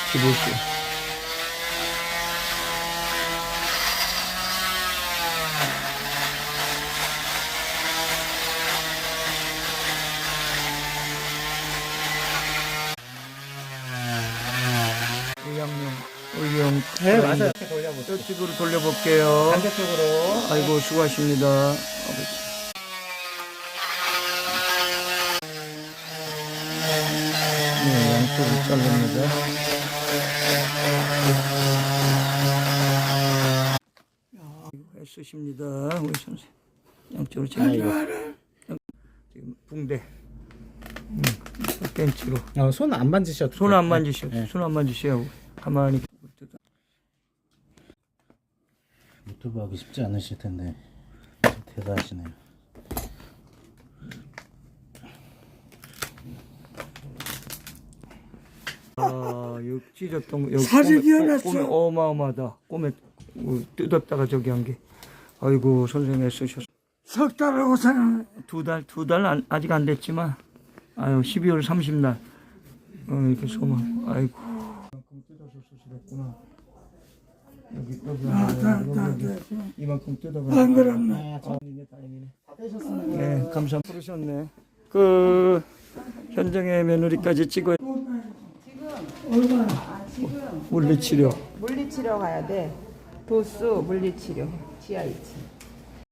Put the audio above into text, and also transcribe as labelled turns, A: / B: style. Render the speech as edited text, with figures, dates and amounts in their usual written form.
A: 기부시. 의령.
B: 네, 맞아요. 이렇게 돌려보세요.
A: 저쪽으로 돌려볼게요.
B: 반대쪽으로.
A: 아이고, 수고하십니다. 아버지. 네, 양쪽으로 자릅니다. 애쓰십니다, 우리 선생님. 양쪽으로 자르고. 지금 붕대. 벤치로.
B: 손 안 만지셔도
A: 손 안 만지셔.
B: 네.
A: 손 안 만지셔. 가만히.
B: 유튜브 하기 쉽지 않으실 텐데 좀 대단하시네요.
A: 아, 여기 찢었던 거. 여기
C: 사직이 하나
A: 꿈에
C: 있어.
A: 어마어마하다. 꿈에 뜯었다가 저기 한 게. 아이고, 선생님 애쓰셨어.
C: 석 달하고 사는
A: 두 달 아직 안 됐지만, 아유, 12월 30날. 이렇게 소망. 아이고. 이만큼 뜯어서 수술했구나. 여기. 이만큼 뜯어가.
C: 안 그렇네.
A: 다행이네. 네, 감사합니다. 부르셨네. 그, 현정의 며느리까지 찍어야. 물리치료.
D: 물리치료 가야 돼. 도수 물리치료. 지하 2층.